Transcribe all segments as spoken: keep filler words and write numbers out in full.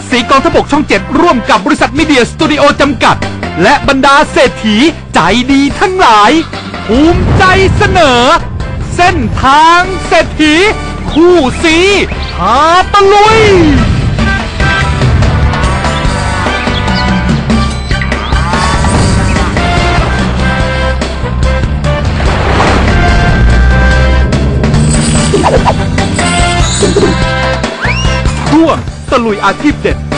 สีกองทัพบกช่องเจ็ดร่วมกับบริษัทมีเดียสตูดิโอจำกัดและบรรดาเศรษฐีใจดีทั้งหลายภูมิใจเสนอเส้นทางเศรษฐีคู่สีพาตะลุยช่วงตะลุยอาชีพเด็ด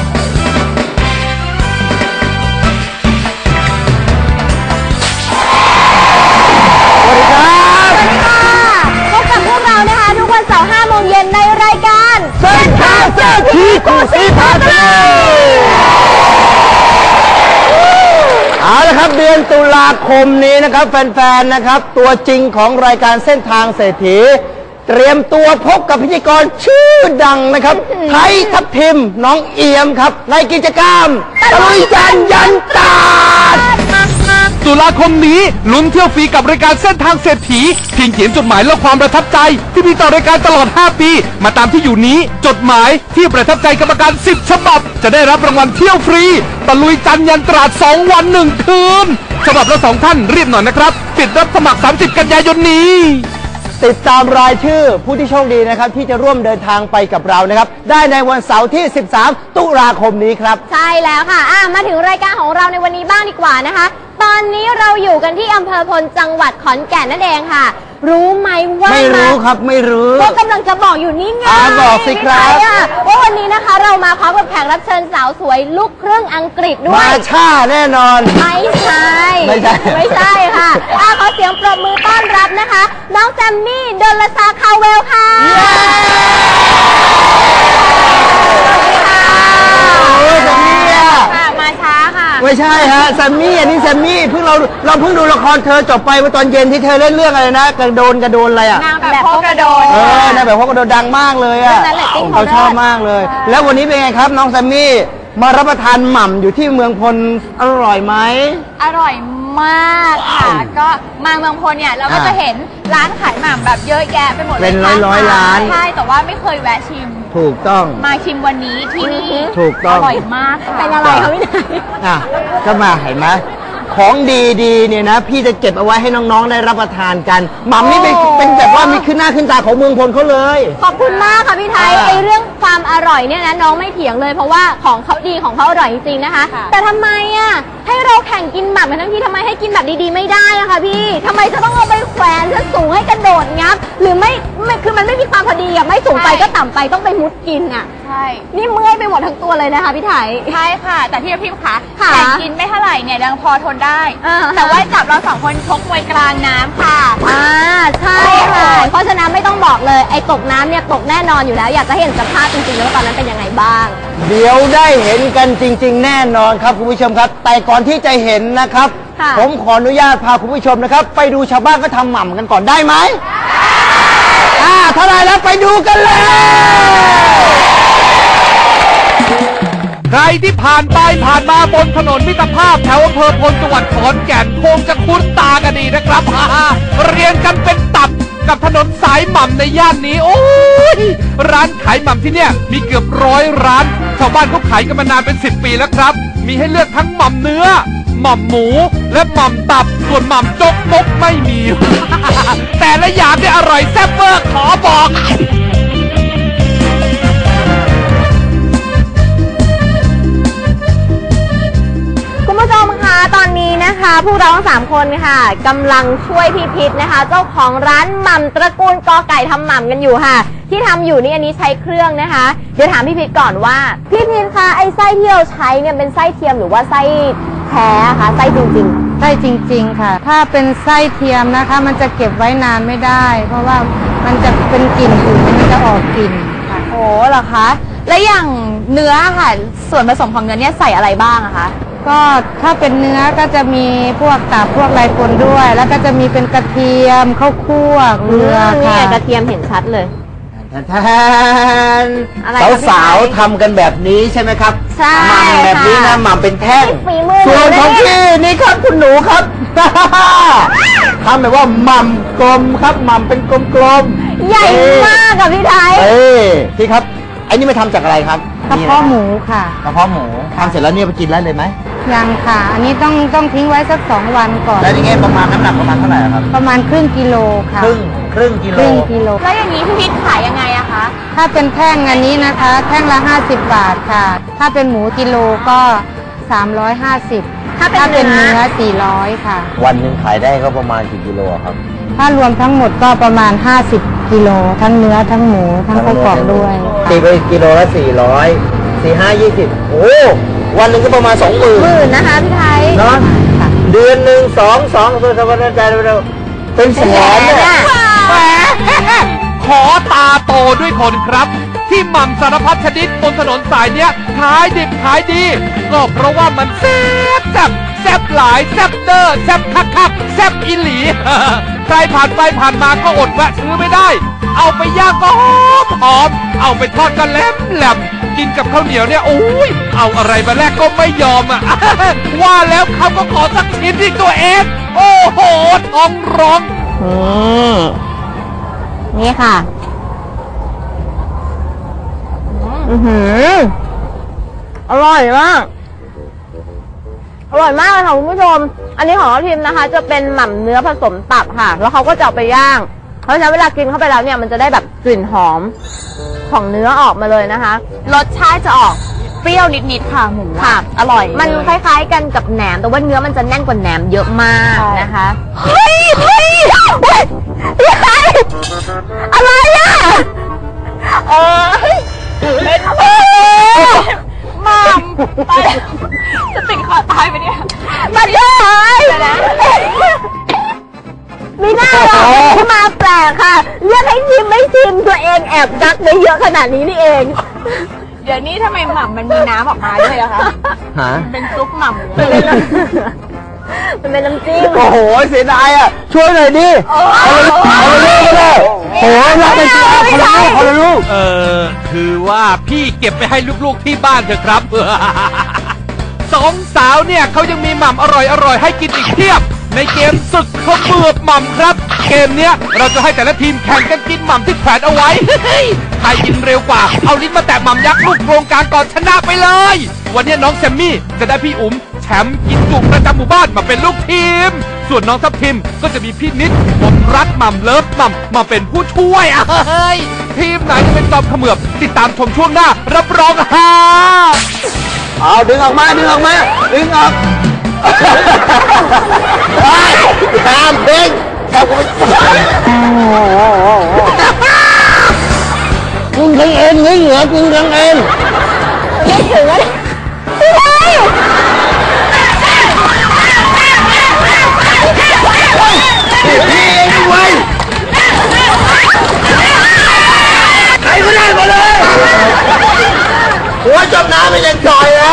ในรายการเส้นทางเศรษฐีคู่สีพาตะลุยเอาละครับเดือนตุลาคมนี้นะครับแฟนๆนะครับตัวจริงของรายการเส้นทางเศรษฐีเตรียมตัวพบกับพิธีกรชื่อดังนะครับไทยทัพทิมน้องเอี่ยมครับในกิจกรรมตะลุยยันยันตาตุลาคมนี้ลุ้นเที่ยวฟรีกับรายการเส้นทางเศรษฐีเพียงเขียนจดหมายและความประทับใจที่มีต่อรายการตลอดห้าปีมาตามที่อยู่นี้จดหมายที่ประทับใจกรรมการสิบฉบับจะได้รับรางวัลเที่ยวฟรีตะลุยจันยันตราดสองวันหนึ่งคืนฉบับละสองท่านรีบหน่อยนะครับปิดรับสมัครสามสิบกันยายนนี้ติดตามรายชื่อผู้ที่โชคดีนะครับที่จะร่วมเดินทางไปกับเรานะครับได้ในวันเสาร์ที่สิบสามตุลาคมนี้ครับใช่แล้วค่ะอ่ะมาถึงรายการของเราในวันนี้บ้างดีกว่านะคะตอนนี้เราอยู่กันที่อำเภอพลจังหวัดขอนแก่นนั่นเองค่ะรู้ไหมว่าไม่รู้ครับไม่รู้ก็กำลังจะบอกอยู่นี่ไงบอกสิครับว่าวันนี้นะคะเรามาพร้อมกับแขกรับเชิญสาวสวยลูกครึ่งอังกฤษด้วยมาช่าแน่นอนไม่ใช่ไม่ใช่ไม่ใช่ค่ะขอเสียงปรบมือต้อนรับนะคะน้องแซมมี่ดลซาคาเวลค่ะไม่ใช่ฮะแซมมี่อันนี้แซมมี่เพิ่งเราเราเพิ่งดูละครเธอจบไปเมื่อตอนเย็นที่เธอเล่นเรื่องอะไรนะกระโดนกระโดนอะไรอ่ะนางแบบพ่อกระโดนเออนางแบบพ่อกระโดนดังมากเลยอ่ะเขาชอบมากเลยแล้ววันนี้เป็นไงครับน้องแซมมี่มารับประทานหม่ำอยู่ที่เมืองพลอร่อยไหมอร่อยมากค่ะก็มาเมืองพลเนี่ยเราก็จะเห็นร้านขายหม่ำแบบเยอะแยะไปหมดเลยเป็นร้อยร้อยร้านใช่แต่ว่าไม่เคยแวะชิมถูกต้องมาชิมวันนี้ที่นี่ถูกต้องอร่อยมากค่ะเป็นอะไรคะพี่นายอ่ะก็มาเห็นไหมของดีๆเนี่ยนะพี่จะเก็บเอาไว้ให้น้องๆได้รับประทานกันหม่ำนี่เป็นเป็นแบบว่ามีขึ้นหน้าขึ้นตาของเมืองพลเขาเลยขอบคุณมากค่ะพี่ไทยไอเรื่องความอร่อยเนี่ยนะน้องไม่เถียงเลยเพราะว่าของเขาดีของเขาอร่อยจริงๆนะคะแต่ทำไมอ่ะให้เราแข่งกินหม่ำกันทั้งที่ทำไมให้กินแบบดีๆไม่ได้อะคะพี่ทำไมจะต้องเอาไปแขวนจะสูงให้กระโดดงับหรือไม่คือมันไม่มีความพอดีอ่ะไม่สูงไปก็ต่ำไปต้องไปมุดกินอ่ะใช่นี่เมื่อยไปหมดทั้งตัวเลยนะคะพี่ไทยใช่ค่ะแต่ที่พี่คะแข่งกินไม่เท่าไหร่เนี่ยยังพอทนได้แต่ว่าจับเราสองคนชกมวยกลางน้ำค่ะอ่าใช่ค่ะเพราะฉะนั้นไม่ต้องบอกเลยไอ้ตกน้ำเนี่ยตกแน่นอนอยู่แล้วอยากจะเห็นสภาพจริงๆแล้วตอนนั้นเป็นยังไงบ้างเดี๋ยวได้เห็นกันจริงๆแน่นอนครับคุณผู้ชมครับแต่ก่อนที่จะเห็นนะครับผมขออนุญาตพาคุณผู้ชมนะครับไปดูชาวบ้านก็ทำหม่ำกันก่อนได้ไหมอ่าถ้าได้แล้วไปดูกันเลยใครที่ผ่านไปผ่านมาบนถนนมิตรภาพแถวอำเภอพลจังหวัดขอนแก่นคงจะคุ้นตากันดีนะครับฮ่าเรียงกันเป็นตับกับถนนสายหม่ำในย่านนี้โอ้ยร้านขายหม่ำที่เนี่ยมีเกือบร้อยร้านชาวบ้านเขาขายกันมานานเป็นสิบปีแล้วครับมีให้เลือกทั้งหม่ำเนื้อหม่ำหมูและหม่ำตับส่วนหม่ำจกมกไม่มี แต่ละอย่างเนี่ยอร่อยแซ่บเวอร์ขอบอกคุณผู้ชมคะตอนนี้นะคะพวกเราทั้งสามคนค่ะกำลังช่วยพี่พิษนะคะเจ้าของร้านหม่ำตระกูลกอไก่ทำหม่ำกันอยู่ค่ะที่ทำอยู่นี่อันนี้ใช้เครื่องนะคะเดี๋ยวถามพี่พิษก่อนว่าพี่พิษคะไอ้ไส้ที่เราใช้เนี่ยเป็นไส้เทียมหรือว่าไส้แท้คะไส้จริงๆไส้จริงๆค่ะถ้าเป็นไส้เทียมนะคะมันจะเก็บไว้นานไม่ได้เพราะว่ามันจะเป็นกลิ่นอื่นมันจะออกกลิ่นค่ะโอ้เหรอคะแล้วอย่างเนื้อค่ะส่วนผสมของเนื้อเนี่ยใส่อะไรบ้างอะคะก็ถ้าเป็นเนื้อก็จะมีพวกตับพวกไรปนด้วยแล้วก็จะมีเป็นกระเทียมข้าวคั่วเกลือค่ะกระเทียมเห็นชัดเลยแทนสาวๆทำกันแบบนี้ใช่ไหมครับใช่หม่ำแบบนี้นะหม่ำเป็นแท่งส่วนของพี่นี่ครับคุณหนูครับทำแบบว่าหม่ำกลมครับหม่ำเป็นกลมๆใหญ่มากกับพี่ไทยเอ้พี่ครับไอ้นี่มาทำจากอะไรครับกระเพาะหมูค่ะกระเพาะหมูทำเสร็จแล้วเนี่ยไปกินได้เลยไหมยังค่ะ อันนี้ต้องต้องทิ้งไว้สักสองวันก่อนแล้วนี่ไงประมาณน้ำหนักประมาณเท่าไหร่ครับประมาณครึ่งกิโลค่ะครึ่งครึ่งกิโลครึ่งกิโลแล้วอย่างนี้พี่พิษขายยังไงอะคะถ้าเป็นแท่งอันนี้นะคะแท่งละห้าสิบบาทค่ะถ้าเป็นหมูกิโลก็สามร้อยห้าสิบถ้าเป็นเนื้อสี่ร้อยค่ะวันหนึ่งขายได้ก็ประมาณกี่กิโลครับถ้ารวมทั้งหมดก็ประมาณห้าสิบกิโลทั้งเนื้อทั้งหมูทั้งไส้กรอกด้วยตีไปกิโลละสี่ร้อยสี่ห้ายี่สิบโอ้วันหนึ่งก็ประมาณสองหมื่นหมื่นนะคะพี่ไทยเนาะเดือนหนึ่งสองสองเป็นสมรรถใจเราเป็นแสนเนี่ยแหมขอตาโตด้วยคนครับที่หม่ำสารพัดชนิดบนถนนสายเนี้ยขายดิบขายดีก็เพราะว่ามันแซ่บแซ่บแซ่บหลายแซ่บเดอร์แซ่บคักคักแซ่บอีหลีใครผ่านไปผ่านมาก็อดแวะซื้อไม่ได้เอาไปย่างก็หอมหอมเอาไปทอดก็แหลมแหลมกินกับข้าวเหนียวเนี่ยโอ้ยเอาอะไรมาแลกก็ไม่ยอมอ่ะว่าแล้วเขาก็ขอสักชิ้นที่ตัวเองโอ้โหท้องร้องนี่นี่ค่ะอือหืออร่อยมากอร่อยมากเลยค่ะคุณผู้ชมอันนี้ของทีมนะคะจะเป็นหม่ำเนื้อผสมตับค่ะแล้วเขาก็จะเอาไปย่างเพราะฉะนั้นเวลากินเข้าไปแล้วเนี่ยมันจะได้แบบกลิ่นหอมของเนื้อออกมาเลยนะคะรสชาติจะออกเปรี้ยวนิดๆค่ะหมูค่ะอร่อยมันคล้ายๆกันกับแหนมแต่ว่าเนื้อมันจะแน่นกว่าแหนมเยอะมากนะคะเฮ้ยเฮ้ยเฮ้ยอะไรอ่ะเออเป็นเออมัมไปจะติดคอตายไปเนี่ยมันเยอะเลยมีหน้าเราที่มาแปลกค่ะเรียกให้ชิมไม่ชิมตัวเองแอบดักได้เยอะขนาดนี้นี่เองเดี๋ยวนี้ทำไมหม่ำมันมีน้ำออกมาด้วยล่ะคะฮะเป็นซุปหม่ำมันเป็นน้ำจิ้มโอ้โหเสียดายอ่ะช่วยหน่อยดิเอาเลยเอาเลยโอ้ยรักไปสิคนละลูกคนละลูกเออคือว่าพี่เก็บไปให้ลูกๆที่บ้านเถอะครับสองสาวเนี่ยเขายังมีหม่ำอร่อยๆให้กินอีกเพียบในเกมศึกข้าวเบือบหม่ำครับเกมเนี้ยเราจะให้แต่ละทีมแข่งกันกินหม่ำที่แขวนเอาไว้ใครกินเร็วกว่าเอาลิ้นมาแตะหม่ำยักษ์ลูกโครงการก่อนชนะไปเลยวันนี้น้องแซมมี่จะได้พี่อุ๋มแชมป์กินจุประจำหมู่บ้านมาเป็นลูกทีมส่วนน้องทัพทิมก็จะมีพี่นิดผมรักหม่ำเลิฟหม่ำมาเป็นผู้ช่วยเฮ้ยทีมไหนจะเป็นจอมเขมือบติดตามชมช่วงหน้ารับรองฮาเอาดึงออกมาดึงออกมาดึงออกตามเพ่งกินทั้งเอ็นเหงื่อกินทั้งเอ็นไม่ถึงเลยพี่เองด้วยใครก็ได้มาเลยหัวจมน้ำไม่ยังจอยอ่ะ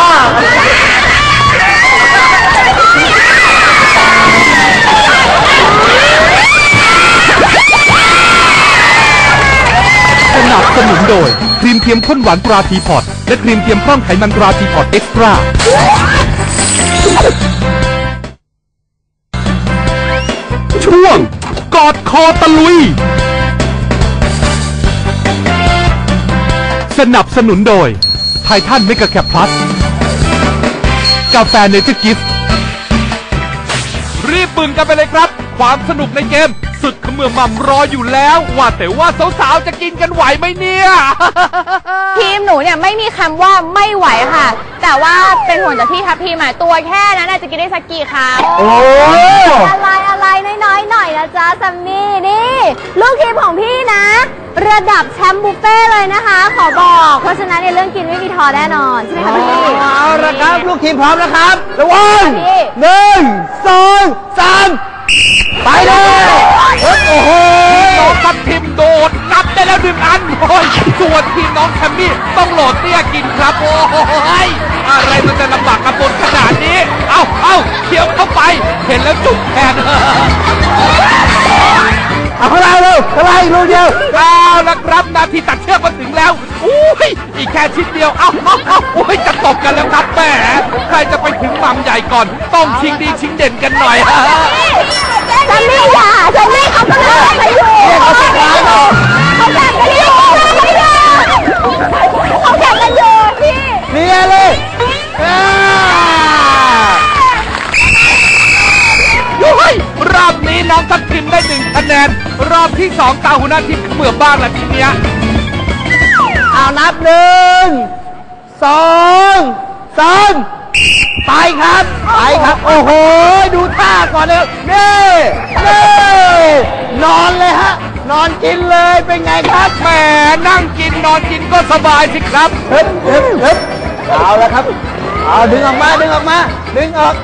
สนับสนุนโดยครีมเทียมข้นหวานตราทีพอร์ตและครีมเทียมพร่องไขมันตราทีพอร์ตเอ็กซ์ตร้าช่วงกอดคอตะลุยสนับสนุนโดยไททันเมกะแคปพลัสกาแฟเนเจอร์กิฟต์รีบบึงกันไปเลยครับความสนุกในเกมศึกเขมือบหม่ำรออยู่แล้วว่าแต่ว่าสาวๆจะกินกันไหวไหมเนี่ยทีมหนูเนี่ยไม่มีคำว่าไม่ไหวค่ะแต่ว่าเป็นห่วงจากพี่ทัพทีมอ่ะตัวแค่นั้นจะกินได้สักกี่คำโอ้อะไรอะไรน้อยๆหน่อยนะจ๊ะซัมมี่นี่ลูกทีมของพี่นะระดับแชมป์บุฟเฟ่เลยนะคะขอบอกเพราะฉะนั้นในเรื่องกินไม่มีท้อแน่นอนใช่ไหมคะพี่เอาละครับลูกทีมพร้อมนะครับระวังหนึ่งสองสามไปเลยโอ้โหน้องทัพทิมโดดนับได้แล้วหนึ่งอันโอ้ยส่วนทีมน้องแคมมี่ต้องโหลดเตี้ยกินครับโอ้ยอะไรมันจะลำบากกระบนขนาดนี้เอาเอาเคี้ยวเข้าไปเห็นแล้วจุกแทนเอาเข้าไปเร็วเข้าไปลูกเดียวเอาละครับนาทีตัดเชือกมาถึงแล้วอุ้ยอีกแค่ชิ้นเดียวเอาเอาเอาโอ้ยจะตบกันแล้วครับแหมใครจะไปถึงหม่ำใหญ่ก่อนต้องชิงดีชิงเด่นกันหน่อยฮะซัมมี่ค่ะซัมมี่เขากำลังไปอยู่เขาแข่งกันอยู่เขาแข่งกันอยู่เขาแข่งกันอยู่พี่องตาหัวหน้าทีมเขมือบบ้างละทีเนี้ยเอานับหนึ่งสองสามไปครับไปครับโอ้โหดูท่าก่อนเลยนี่นี่นอนเลยฮะนอนกินเลยเป็นไงครับแหมนั่งกินนอนกินก็สบายสิครับเฮ้ยเฮ้ยเฮ้ยเอาแล้วครับเอาดึงออกมาดึงออกมาดึงออก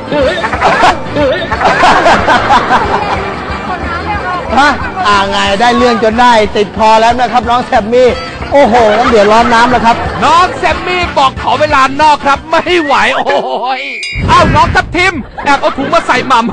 ฮะอ่าไงได้เรื่องจนได้ติดคอแล้วนะครับน้องแซมมี่โอ้โหงั้นเดี๋ยวร้อนน้ำแล้วครับน้องแซมมี่บอกขอเวลานอกครับไม่ไหวโอ้ยเอ้าน้องทับทิมแอบเอาถุงมาใส่หม่ำ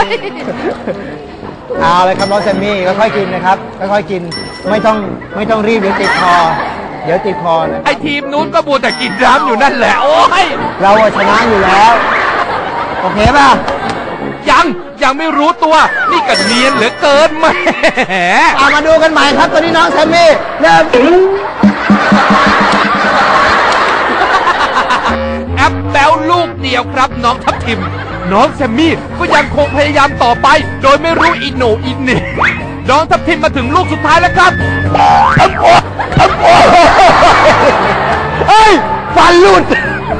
เอาเลยครับน้องแซมมี่ค่อยๆกินนะครับค่อยๆกินไม่ต้องไม่ต้องรีบเดี๋ยวติดคอเดี๋ยวติดคอนะไอทีมนู้นก็บูแต่กินน้ำอยู่นั่นแหละโอ้ยเราชนะอยู่แล้วโอเคป่ะยังยังไม่รู้ตัวนี่ก็เนียนเหลือเกินแหมเอามาดูกันใหม่ครับตอนนี้น้องแซมมี่เริ่มแอปแบลลูกเดียวครับน้องทับทิมน้องแซมมี่ก็ยังคงพยายามต่อไปโดยไม่รู้อิโหนอินนี่น้องทับทิมมาถึงลูกสุดท้ายแล้วครับเฮ้ยฟันหลุด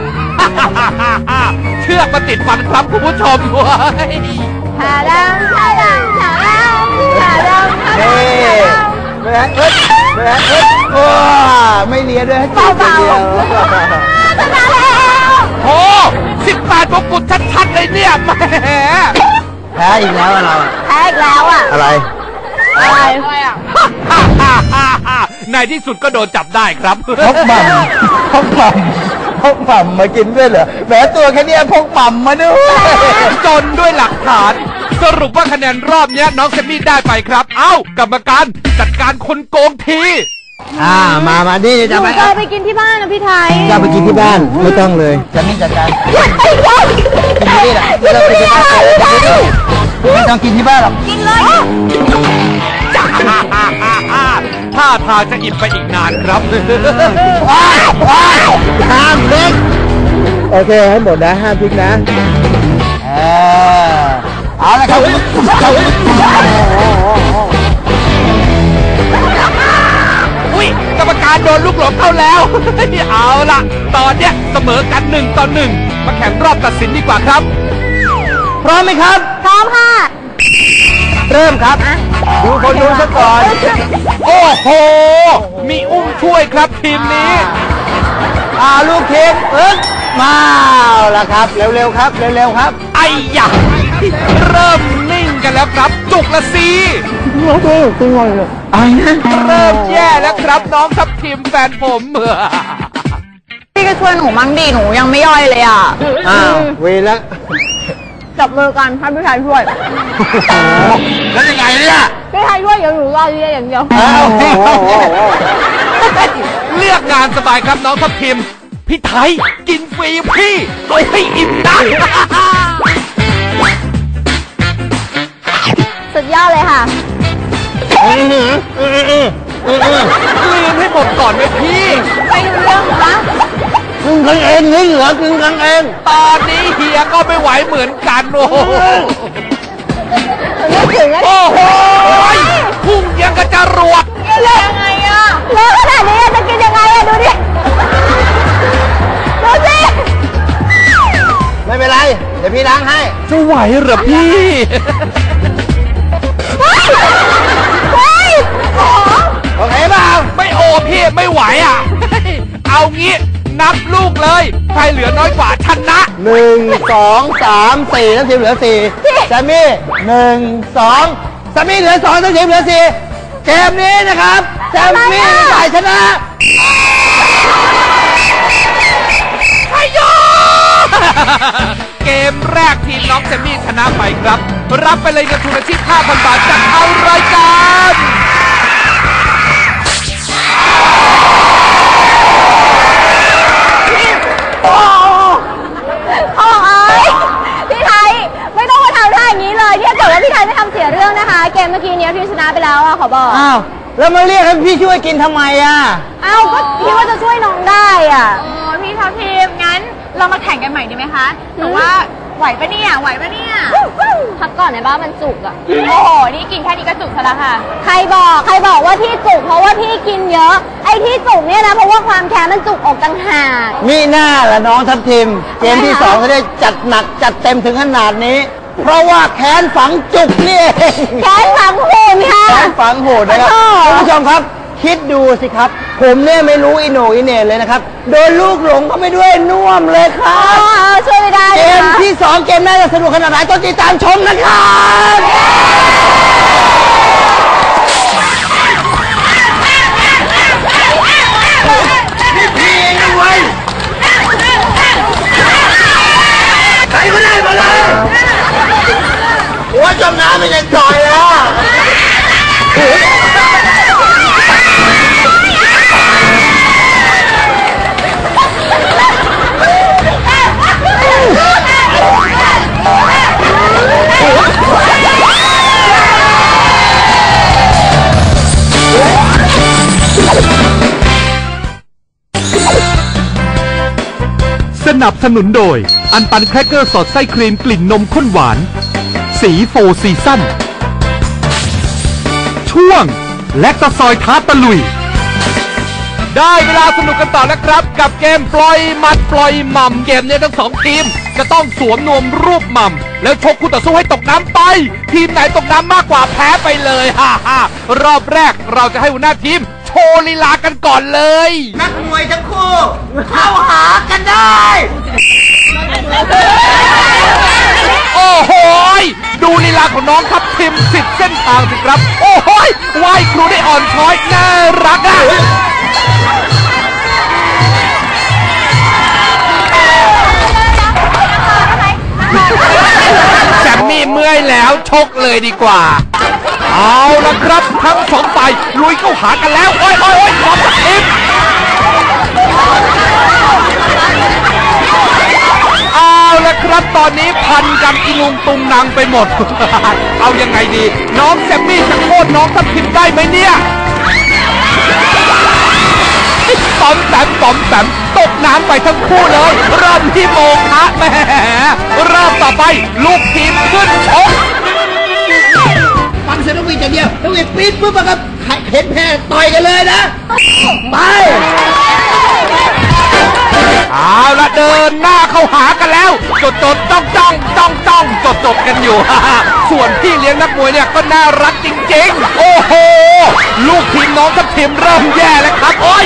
เชือกมาติดฟันครับคุณผู้ชมด้วยชาดำชาดำชาดำชาดำนี่เฮ้ยเฮ้ยเฮ้ยเฮ้ยโอ้ไม่เลียด้วยให้จิบเดียวชนะแล้วโอ้สิบแปดมงกุฎชัดๆเลยเนี่ยแหมแพ้อีกแล้วเราแพ้อีกแล้วอ่ะอะไรอะไรในที่สุดก็โดนจับได้ครับพกบ่ำพกบ่ำพกบ่ำมากินด้วยเหรอแหมตัวแค่นี้พกบ่ำมาด้วยจนด้วยหลักฐาน สรุปว่าคะแนนรอบนี้น้องแซมมี่ได้ไปครับ เอ้ากรรมการจัดการคนโกงทีอ่ามามาดิหจะนูไปจะไปกินที่บ้านนะพี่ไทยจะไปกินที่บ้านไม่ต้องเลยจะนี่จัดการกินที่นี่แหละไม่ต้องกินที่บ้านไม่ต้องกินที่บ้านหรอกกินเลยท่าทางจะอิ่มไปอีกนานครับว้าวว้าวห้ามพลิกโอเคให้หมดนะห้ามพลิกนะเออเอาละครับอุ้ยกรรมการโดนลูกหลงเข้าแล้ว เอาล่ะ ตอนเนี้ยเสมอกันหนึ่งต่อหนึ่งมาแข่งรอบตัดสินดีกว่าครับพร้อมไหมครับพร้อมค่ะเริ่มครับ ดูคนดูซะก่อนโอ้โห มีอุ้มช่วยครับทีมนี้อ่าลูกทีมเอิ๊กมาแล้วครับ เร็วๆครับ เร็วๆครับไอ้ยะเริ่มนิ่งกันแล้วครับ จุกละสิไอ้นะเริ่มแย่แล้วครับน้องทับทีมแฟนผมพี่ก็ช่วยหนูมั่งดิหนูยังไม่ย่อยเลยอ่ะอ้าวเวรแล้วจับมือกันให้พี่ไทยช่วยแล้วยังไงเนี่ยพี่ไทยช่วยเดี๋ยวหนูรอเรียอย่างเดียวอ้าวเลือกงานสบายครับน้องทับทีมพี่ไทยกินฟรีพี่เอาให้อิ่มนะสุดยอดเลยค่ะลืมให้หมดก่อนไหมพี่ไม่รู้เรื่องนะกึ่งกันเองนี่เหรอกึ่งกันเองตอนนี้เฮียก็ไม่ไหวเหมือนกันโอ้โหนึกถึงแล้วโอ้โหพุ่งยังกระจรวดยังไงอ่ะเลิกขนาดนี้จะกินยังไงอ่ะดูดิ ดูสิไม่เป็นไร เดี๋ยวพี่ล้างให้จะไหวเหรอพี่เฮ้ยเฮ้ยโอ้โอเคเปล่าไม่โอพี่ไม่ไหวอ่ะ เอางี้นับลูกเลยใครเหลือน้อยกว่าชนะหนึ่งสองสามสี่ทั้งทีมเหลือสี่แซมมี่หนึ่งสองแซมมี่เหลือสองทั้งทีมเหลือสี่เกมนี้นะครับแซมมี่ฝ่ายชนะไอ้ยอเกมแรกทีมน้องแซมมี่ชนะไปครับ รับไปเลยเงินทุนอาชีพ ห้าพัน บาทจากทางรายการโอ้ยพี่ไทยไม่ต้องมาทำท่าอย่างนี้เลยเนี่ยเกิดว่าพี่ไทยไม่ทำเสียเรื่องนะคะ เกมเมื่อกี้เนี้ยพี่ชนะไปแล้วอะขอบอกอ้าว แล้วมาเรียกให้พี่ช่วยกินทำไมอ่ะเอ้าก็คิดว่าจะช่วยน้องได้อ่ะโอ้พี่ทัพทีมงั้นเรามาแข่งกันใหม่ดีไหมคะแต่ว่าไหวปะเนี่ยไหวปะเนี่ยพักก่อนในบ้านมันจุกอะโอ้โหนี่กินแค่นี้ก็จุกซะแล้วค่ะใครบอกใครบอกว่าที่จุกเพราะว่าพี่กินเยอะ ไอ้ที่จุกเนี่ยนะเพราะว่าความแค้นมันจุกอกต่างหากมีหน้าละน้องทัพทิมเกมที่สองเขาได้จัดหนักจัดเต็มถึงขนาดนี้ เพราะว่าแค้นฝังจุกนี่เองแค้นฝังหุ่นค่ะแค้นฝังโหดนะครับขอโทษคุณผู้ชมครับ คิดดูสิครับ ผมเนี่ยไม่รู้อิโหนอิเหน่เลยนะครับโดนลูกหลงเข้าไปด้วยน่วมเลยครัอ๋อบ ช่วยไม่ได้เกเลยมนะที่สองเกมน่าจะสนุกขนาดไหนต้องติดตามชมนะครับ นี่พี่เองนะเว้ยใครก็ได้มาเลยหัวจมน้ำไม่ยังจ่อยแล้วสนับสนุนโดยอันปันแครกเกอร์สดไส้ครีมกลิ่นนมข้นหวานสีโฟร์ซีซั่นช่วงแลคตาซอยท้าตะลุยได้เวลาสนุกกันต่อแล้วครับกับเกมปล่อยมัดปล่อยหม่ำเกมนี้ทั้งสองทีมจะต้องสวมนวมรูปหม่ำแล้วชกคู่ต่อสู้ให้ตกน้ำไปทีมไหนตกน้ำมากกว่าแพ้ไปเลยฮ่าฮ่ารอบแรกเราจะให้หัวหน้าทีมโชว์ลีลากันก่อนเลยนักมวยทั้งคู่เข้าหากันได้โอ้โหยดูลีลาของน้องทัพทิมสิบเส้นทางสิครับโอ้โหยไหว้ครูได้อ่อนช้อยน่ารักอ่ะแซมมี่เมื่อยแล้วชกเลยดีกว่าเอาละครับทั้งสองฝ่ายลุยเข้าหากันแล้วโอ้ยโอ้ยโอ้ยน้องทัพทิมเอาละครับตอนนี้พันกันอีลุงตุงนางไปหมด เอายังไงดีน้องแซมมี่จะโค่นน้องทัพทิมได้ไหมเนี่ยตอมแสมตอมแสมตกน้ำไปทั้งคู่เลยเริ่มที่โมงนะแหมเริ่มต่อไปลูกทีมขึ้นชกฟังเสียงนกหวีดอย่างเดียว นกหวีดปี๊ดปุ๊บอะครับเห็นแพ้ต่อยกันเลยนะ ไปเอาละเดินหน้าเข้าหากันแล้ว จดจดจ้องจ้องจ้องจ้องจดจดกันอยู่ ส่วนพี่เลี้ยงนักมวยเนี่ยก็น่ารักจริงๆ โอ้โห ลูกทีมน้องทัพทิมเริ่มแย่แล้วครับ โอ้ย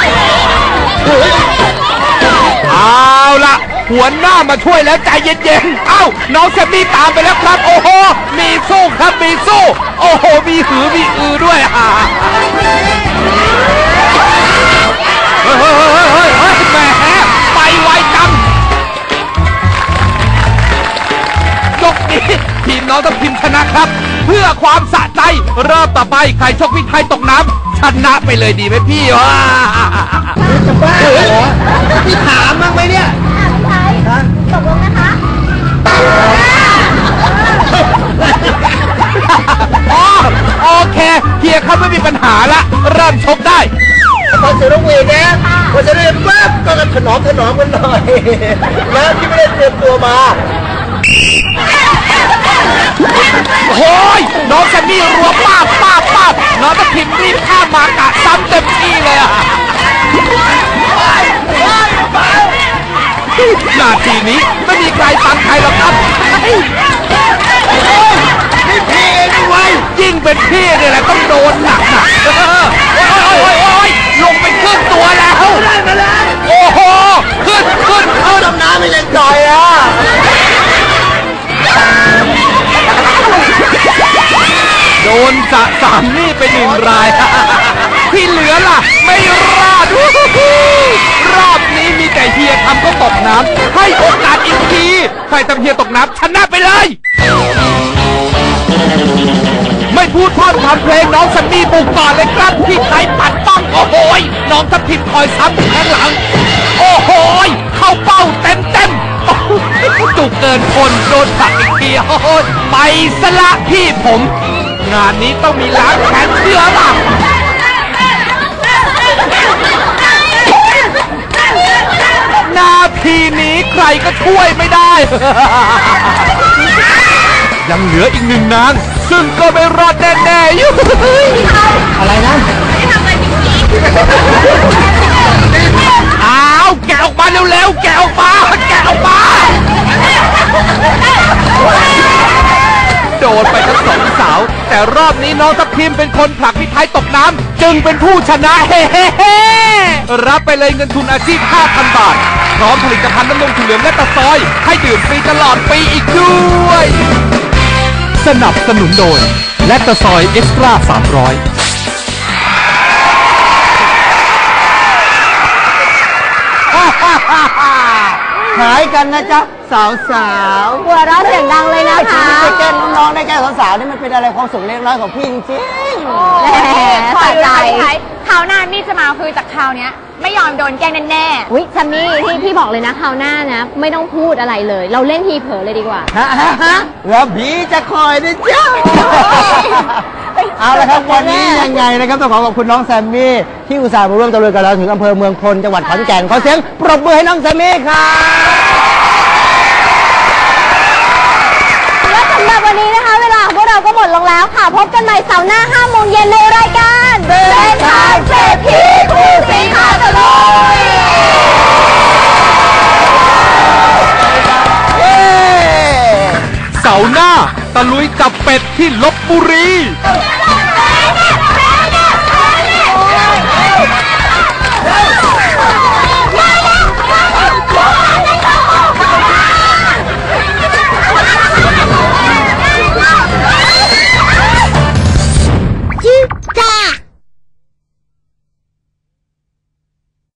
เอาละหัวหน้ามาช่วยแล้วใจเย็นๆ เอ้าน้องแซมมี่ตามไปแล้วครับ โอ้โห มีสู้ครับมีสู้ โอ้โห มีหือมีอือด้วยอ่ะเฮ้ยเฮ้ยเฮ้ยเฮ้ยเฮ้ยแหมไปไวจังยกนี้ทีมน้องทัพทิมชนะครับ เพื่อความสะใจรอบต่อไปใครชกพี่ไทยตกน้ำชนะไปเลยดีไหมพี่วะจะบ้าเหรอพี่ถามบ้างไหมเนี่ยอ่ะพี่ไทยตกลงนะคะอ๋อโอเคเฮียครับไม่มีปัญหาละเริ่มชกได้พอเสียงนกหวีดนะพอจะได้ปั๊บก็ถนอมถนอมกันหน่อยนะที่ไม่ได้เตรียมตัวมาโอ้ยน้องแซมมี่รัวป้าบป้าบป้าบน้องทัพทิมรีบข้ามมากะซ้ำเต็มที่เลยอะนาทีนี้ไม่มีใครฟังใครหรอกครับนี่พี่เองไว้ยิ่งเป็นพี่เนี่ยแหละต้องโดนหนักหนักโอ้ยโอ้ยโอ้ยลงไปครึ่งตัวแล้วได้มาแล้วโอ้โหขึ้นขึ้นขึ้นดำน้ำไม่ยังจ่อยอ่ะโดนสะสามนี่ไปหนึ่งราย ที่เหลือล่ะไม่รอด รอบนี้มีแต่เฮียทำก็ตกน้ำให้โอกาสอีกทีใครทำเฮียตกน้ำชนะไปเลย ไม่พูดพร่ำทำเพลงน้องซันนี่บุกก่อนเลยครับที่ไทยปัดป้องโอ้โหยน้องทัพทิมคอยซ้ำข้างหลังโอ้โหยเข้าเป้าเต็มเต็มจุกเกินคนโดนผลักอีกทีโอ้โหไปสละพี่ผมงานนี้ต้องมีล้างแขนเสื้อล่ะนาทีนี้ใครก็ช่วยไม่ได้ ยังเหลืออีกหนึ่งนางซึ่งก็ไม่รอดแน่ๆอยู่อะไรนะอ้าวแกะออกมาเร็วๆแกะออกมาแกะออกมาโดนไปทั้งสองสาวแต่รอบนี้น้องทัพทิมเป็นคนผลักพี่ไทยตกน้ำจึงเป็นผู้ชนะเฮ้ๆรับไปเลยเงินทุนอาชีพ ห้าพัน บาทพร้อมผลิตภัณฑ์น้ำนมถั่วเหลืองและตะซอยให้ดื่มฟรีตลอดปีอีกด้วยสนับสนุนโดยและตะซอยเอ็กซ์ตร้าสามร้อยหายกันนะจ๊ะสาวสาวหัวเราะเสียงดังเลยนะคะได้แกล้งน้องๆได้แกล้งสาวๆนี่มันเป็นอะไรความสุขเล็กน้อยของพี่จริงแหมคอยดูสะใจนะคะพี่ไทยคราวหน้านี่จะมาคือจากคราวเนี้ยไม่ยอมโดนแกล้งแน่ๆอุ้ยซัมมี่ที่พี่บอกเลยนะคราวหน้านะ ไม่ต้องพูดอะไรเลย เราเล่นทีเผลอเลยดีกว่าๆฮะฮะฮะแล้วบีจะคอยนะจ๊ะเอาละครับวันนี้ยังไงนะครับต้องขอขอบคุณน้องแซมมี่ที่อุตส่าห์มาร่วมตะลุยกับเราถึงอำเภอเมืองพลจังหวัดขอนแก่นขอเสียงปรบมือให้น้องแซมมี่ครับและสำหรับวันนี้นะคะ เวลาของพวกเราก็หมดลงแล้วค่ะ พบกันใหม่เสาร์หน้าห้าโมงเย็นในรายการเดินทางเศรษฐีคู่สีขาตะลุยเสาร์หน้าตะลุยจับเป็ดที่ลพบุรีเ